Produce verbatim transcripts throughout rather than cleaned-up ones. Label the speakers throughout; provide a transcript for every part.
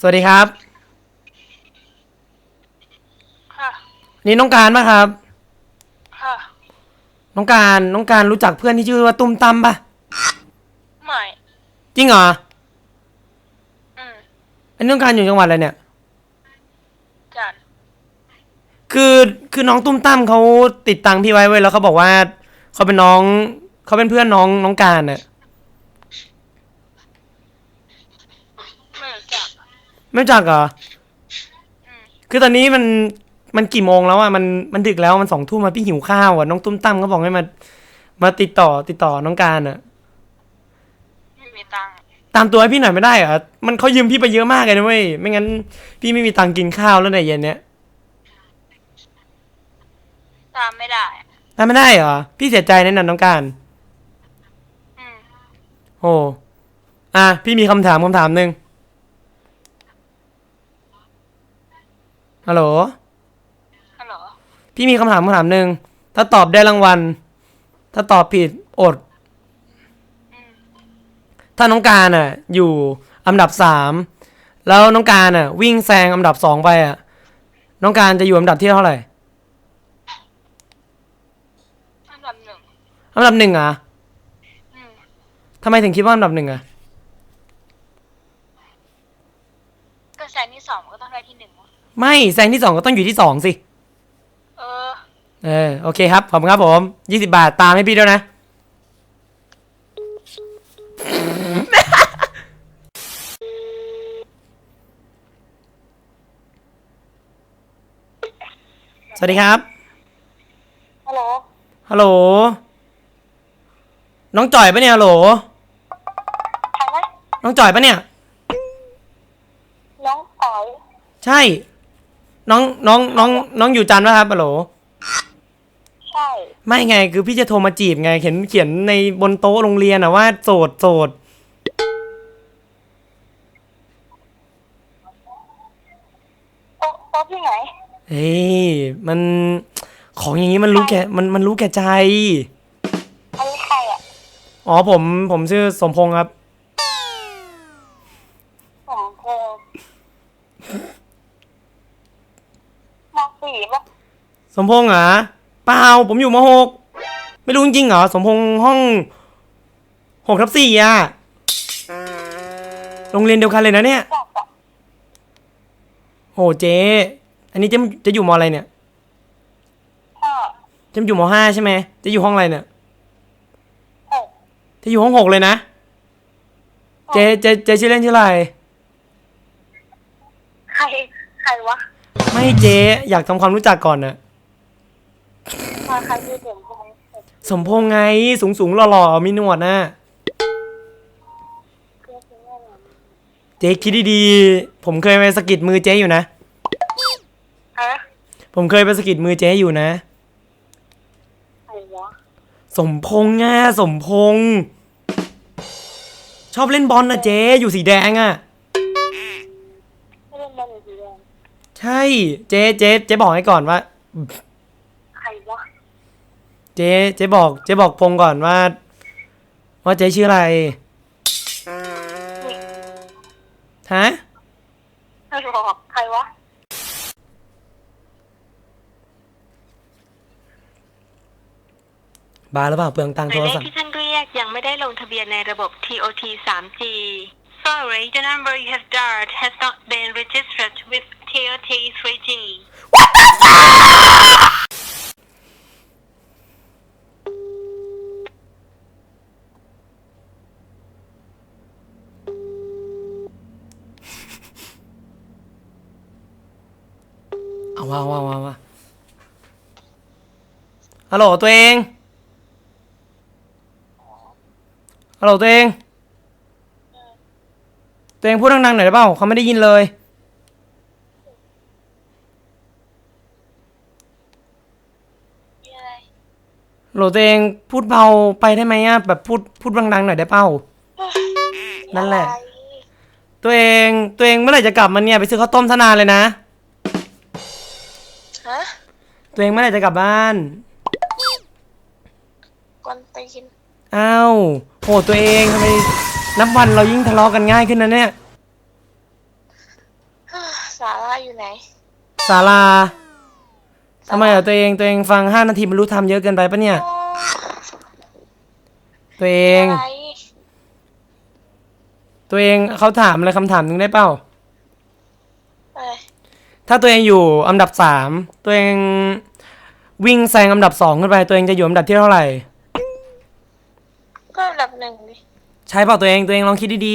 Speaker 1: วัสดีครับ
Speaker 2: ค่ะ
Speaker 1: นี่น้องการปะครับ
Speaker 2: ค่ะ
Speaker 1: น้องการน้องการรู้จักเพื่อนที่ชื่อว่าตุ้มตั้มปะ
Speaker 2: ไม่
Speaker 1: จริงเหรอ
Speaker 2: อืม
Speaker 1: อันนี้น้องการอยู่จังหวัดอะไรเนี่ย
Speaker 2: จัน
Speaker 1: คือคือน้องตุ้มตั้มเขาติดตังพี่ไว้เว้ยแล้วเขาบอกว่าเขาเป็นน้องเขาเป็นเพื่อนน้องน้องการน่ะ
Speaker 2: ไม่รู้จัก
Speaker 1: ไม่รู้จักเหรอ
Speaker 2: อืม
Speaker 1: คือตอนนี้มันมันกี่โมงแล้วอ่ะมันมันดึกแล้วมันสองทุ่มมาพี่หิวข้าวอ่ะน้องตุ้มตั้มเขาบอกให้มามาติดต่อติดต่อน้องการอ่ะ
Speaker 2: ไม่มีตังค์
Speaker 1: ตามตัวให้พี่หน่อยไม่ได้เหรอมันเขายืมพี่ไปเยอะมากเลยนะเว้ยไม่งั้นพี่ไม่มีตังค์กินข้าวแล้วในเย็นเนี้ย
Speaker 2: ตามไม่ได้อะ
Speaker 1: ทำไม่ได้เหรอพี่เสียใจแน่นอนน้องการ
Speaker 2: อืม
Speaker 1: โอ้อ่ะพี่มีคำถามคำถามหนึ่งฮัลโหล
Speaker 2: ฮัลโหล
Speaker 1: พี่มีคำถามคำถามหนึ่งถ้าตอบได้รางวัลถ้าตอบผิดอด
Speaker 2: อืม
Speaker 1: ถ้าน้องการอ่ะอยู่อันดับสามแล้วน้องการอ่ะวิ่งแซงอันดับสองไปอ่ะน้องการจะอยู่อันดับที่เท่าไหร่
Speaker 2: อันดับหนึ่ง
Speaker 1: อันดับหนึ่งอ่ะ
Speaker 2: อืม
Speaker 1: ทำไมถึงคิดว่าอันดับหนึ่งอ่ะ
Speaker 2: ก็แซงที่สองก็ต้องได้ที่หนึ่งวะ
Speaker 1: ไม่แซงที่สองก็ต้องอยู่ที่สองสิ
Speaker 2: เออ
Speaker 1: เออโอเคครับขอบคุณครับผมยี่สิบบาทตามให้พี่ด้วยนะสวัสดีครับ
Speaker 2: ฮัลโหล
Speaker 1: ฮัลโหลน้องจ่อยปะเนี่ยฮัลโหล
Speaker 2: ใครนะ
Speaker 1: น้องจ่อยปะเนี่ย
Speaker 2: น้องอ๋อย
Speaker 1: ใช่น้องน้องน้องน้องอยู่จันทร์ปะครับฮัลโหล
Speaker 2: ใช่
Speaker 1: ไม่ไงคือพี่จะโทรมาจีบไงเขียนเขียนในบนโต๊ะโรงเรียนอะว่าโสดโสด
Speaker 2: โต๊ะโต๊ะที่ไหน
Speaker 1: เฮ้ยมันของอย่างนี้มันรู้แก่มันมันรู้แก่ใจ
Speaker 2: อันนี้ใครอ่ะ
Speaker 1: อ๋อผมผมชื่อสมพงษ์ครับ
Speaker 2: ผมเพงมสี่ปะ
Speaker 1: สมพงษ์เหรอเปล่าผมอยู่มหกไม่รู้จริงๆเหรอสมพงษ์ห้องหกทับสี่อะโรงเรียนเดียวกันเลยนะเนี่ย
Speaker 2: จักอ่ะ
Speaker 1: โหเจ๊อันนี้จะจะอยู่มอะไรเนี่ย
Speaker 2: ห้า
Speaker 1: จะอยู่มห้าใช่ไหมจะอยู่ห้องอะไรเนี่ย
Speaker 2: หก
Speaker 1: จะอยู่ห้องหกเลยนะเจ๊เจ๊เจ๊ชื่อเล่นชื่ออะไร
Speaker 2: ใครใครวะ
Speaker 1: ไม่เจ๊อยากทำความรู้จักก่อนนะ
Speaker 2: มาใครชื่อเด่นใช่ไหม
Speaker 1: สมพงษ์ไงสูงสูงหล่อๆมีหนวดนะ
Speaker 2: เพื่อนชื่ออะไร
Speaker 1: เจ๊คิดดีๆผมเคยไปสะกิดมือเจ๊อยู่นะ
Speaker 2: ฮะ
Speaker 1: ผมเคยไปสะกิดมือเจ๊อยู่นะ
Speaker 2: ใครวะ
Speaker 1: สมพงษ์ง่ะสมพงษ์ชอบเล่นบอลนะเจ๊อยู่สีแดงอ่ะ
Speaker 2: ไม่เล่นบอลอยู่สีแดง
Speaker 1: ใช่เจ๊เจ๊เจ๊บอกให้ก่อนว่า
Speaker 2: ใครวะ
Speaker 1: เจ๊เจ๊บอกเจ๊บอกพงษ์ก่อนว่าว่าเจ๊ชื่ออะไรฮะ
Speaker 2: ไม่บอกใครวะ
Speaker 1: บ้าหรือเปล่าเปลืองตังค์
Speaker 2: หมายเลข
Speaker 1: โทรศัพท์
Speaker 2: ที่ท่านเรียกยังไม่ได้ลงทะเบียนในระบบ ที โอ ที ทรีจี Sorry, the number you have dialed has not been registered with ที โอ ที ทรีจี
Speaker 1: เอาว่าว่าว่าว่าฮัลโหลตัวเองฮัลโหลตัวเองตัวเองพูดดังๆหน่อยได้เปล่าเขาไม่ได้ยินเลย
Speaker 2: มีอะไร
Speaker 1: ฮัลโหลตัวเองพูดเบาไปได้ไหมอะแบบพูดพูดดังๆหน่อยได้เปล่านั่นแหละตัวเองตัวเองเมื่อไหร่จะกลับมาเนี่ยไปซื้อข้าวต้มซะนานเลยนะ
Speaker 2: ฮะ
Speaker 1: ตัวเองเมื่อไหร่จะกลับบ้าน
Speaker 2: กวนตีน
Speaker 1: อ้าวโหตัวเองทำไมนับวันเรายิ่งทะเลาะกันง่ายขึ้นนะเนี่ย
Speaker 3: อยู่ไหน
Speaker 1: ศาลาทำไมอ่ะตัวเองตัวเองฟังห้านาทีมันรู้ทำเยอะเกินไปปะเนี่ย
Speaker 3: โอ้
Speaker 1: ตัวเอง
Speaker 3: อะไร
Speaker 1: ตัวเองเขาถามอะไรคำถามหนึ่งได้เปล่า
Speaker 3: อะไร
Speaker 1: ถ้าตัวเองอยู่อันดับสามตัวเองวิ่งแซงอันดับสองขึ้นไปตัวเองจะอยู่อันดับที่เท่าไหร่
Speaker 3: ก็อันดับหนึ่งดิ
Speaker 1: ใช่เปล่าตัวเองตัวเองลองคิดดี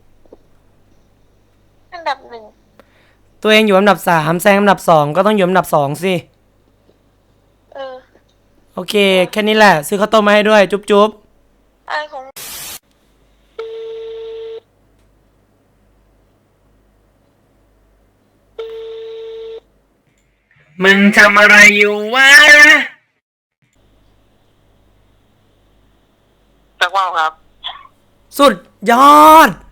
Speaker 3: อันดับหนึ่ง
Speaker 1: ๆตัวเองอยู่อันดับสามแซงอันดับสองก็ต้องอยู่อันดับสองสิ
Speaker 3: เออ
Speaker 1: โอเคแค่นี้แหละซื้อข้าวต้มมาให้ด้วยจุ๊บจุ๊บ
Speaker 3: อะไรของ
Speaker 1: มึงทำอะไรอยู่วะ
Speaker 4: สักว่าวครับ
Speaker 1: สุดยอด